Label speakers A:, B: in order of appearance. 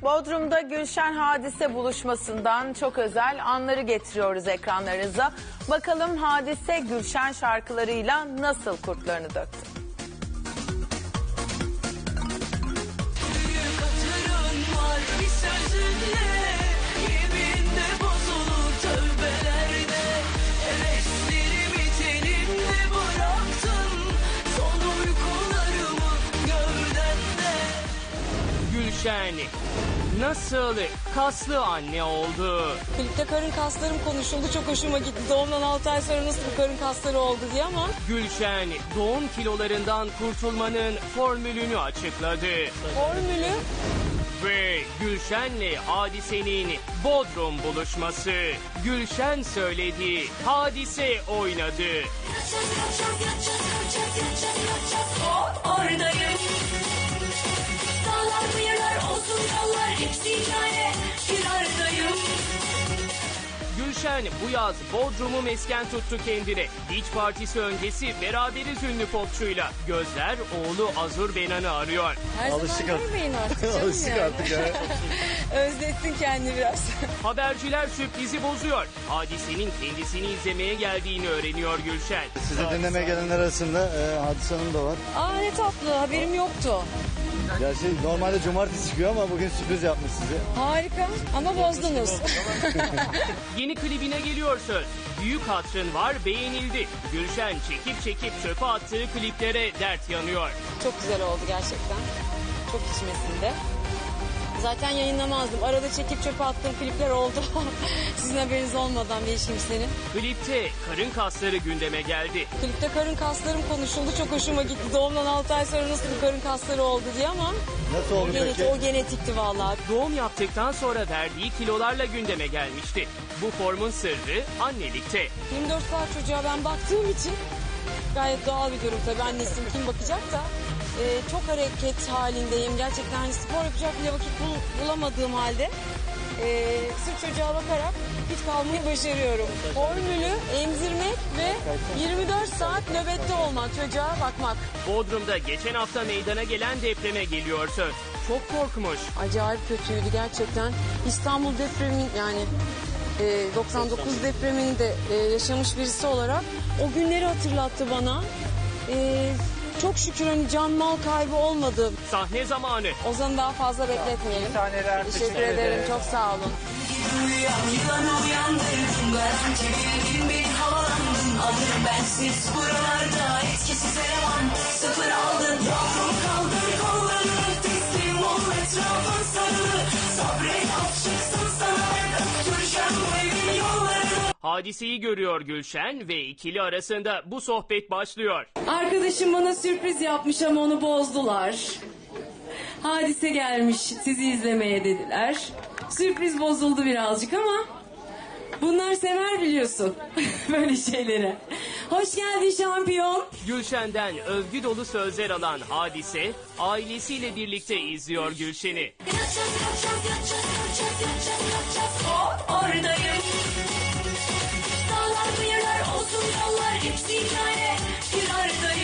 A: Bodrum'da Gülşen Hadise buluşmasından çok özel anları getiriyoruz ekranlarınıza. Bakalım Hadise Gülşen şarkılarıyla nasıl kurtlarını döktü?
B: Gülşen nasıl kaslı anne oldu?
C: Klipte karın kaslarım konuşuldu. Çok hoşuma gitti. Doğumdan 6 ay sonra nasıl bu karın kasları oldu diye ama...
B: Gülşen doğum kilolarından kurtulmanın formülünü açıkladı.
C: Formülü?
B: Ve Gülşen'le Hadise'nin Bodrum buluşması. Gülşen söyledi, Hadise oynadı.
D: Oradayım. Dağlar kıyılar olsun yollar hepsi hikaye. Firardayım.
B: Gülşen bu yaz Bodrum'u mesken tuttu kendine. Beach partisi öncesi beraberiz ünlü popçuyla. Gözler oğlu Azur Benan'ı arıyor.
C: Her
E: Alıştık
C: zaman
E: artık.
C: görmeyin artık canım
E: Alıştık
C: yani.
E: artık ya.
C: Özlettin kendini biraz.
B: Haberciler sürprizi bozuyor. Hadise'nin kendisini izlemeye geldiğini öğreniyor Gülşen.
E: Sizi dinlemeye gelenler arasında Hadise Hanım da var.
C: Aa ne tatlı, haberim yoktu.
E: Gerçi normalde cumartesi çıkıyor ama bugün sürpriz yapmış size.
C: Harika ama bozdunuz.
B: Yeni klibine geliyor söz. Büyük hatırın var, beğenildi. Gülşen çekip çöpe attığı kliplere dert yanıyor.
C: Çok güzel oldu gerçekten. Çok içmesinde. Zaten yayınlamazdım. Arada çekip çöpe attığım klipler oldu. Sizin haberiniz olmadan bir kimsenin.
B: Klipte karın kasları gündeme geldi.
C: Klipte karın kaslarım konuşuldu. Çok hoşuma gitti. Doğumdan 6 ay sonra nasıl bu karın kasları oldu diye ama...
E: Nasıl oldu peki?
C: O genetikti vallahi.
B: Doğum yaptıktan sonra verdiği kilolarla gündeme gelmişti. Bu formun sırrı annelikte.
C: 24 saat çocuğa ben baktığım için gayet doğal bir durum tabii. Annesiyim, kim bakacak da. Çok hareket halindeyim. Gerçekten hani spor yapacak bile vakit bulamadığım halde sırf çocuğa bakarak hiç kalmayı başarıyorum. Formülü emzirmek ve 24 saat nöbette olmak, çocuğa bakmak.
B: Bodrum'da geçen hafta meydana gelen depreme geliyor söz. Çok korkmuş.
C: Acayip kötüydü gerçekten. İstanbul depremin yani 99 depremini de yaşamış birisi olarak o günleri hatırlattı bana. Çok şükür hani can mal kaybı olmadı.
B: Sahne zamanı.
C: Ozan'ı daha fazla bekletmeyelim. Teşekkür ederim. Çok sağ olun.
D: Yılanı uyandırdım. Garanti bildim bir havalandım. Adım bensiz buralarda etkisiz eleman. Sıfır aldın. Yavrum kaldır kollarını. Teslim ol etrafın sarılı. Sabret af çıksın sana. Öptüreceğim bu evin yollarını.
B: Hadiseyi görüyor Gülşen ve ikili arasında bu sohbet başlıyor.
C: Arkadaşım bana sürpriz yapmış ama onu bozdular. Hadise gelmiş sizi izlemeye dediler. Sürpriz bozuldu birazcık ama bunlar sever biliyorsun böyle şeyleri. Hoş geldin şampiyon.
B: Gülşen'den övgü dolu sözler alan Hadise ailesiyle birlikte izliyor Gülşen'i.
D: Oradayım. Dağlar kıyılar olsun yollar hepsi hikaye. Firardayım.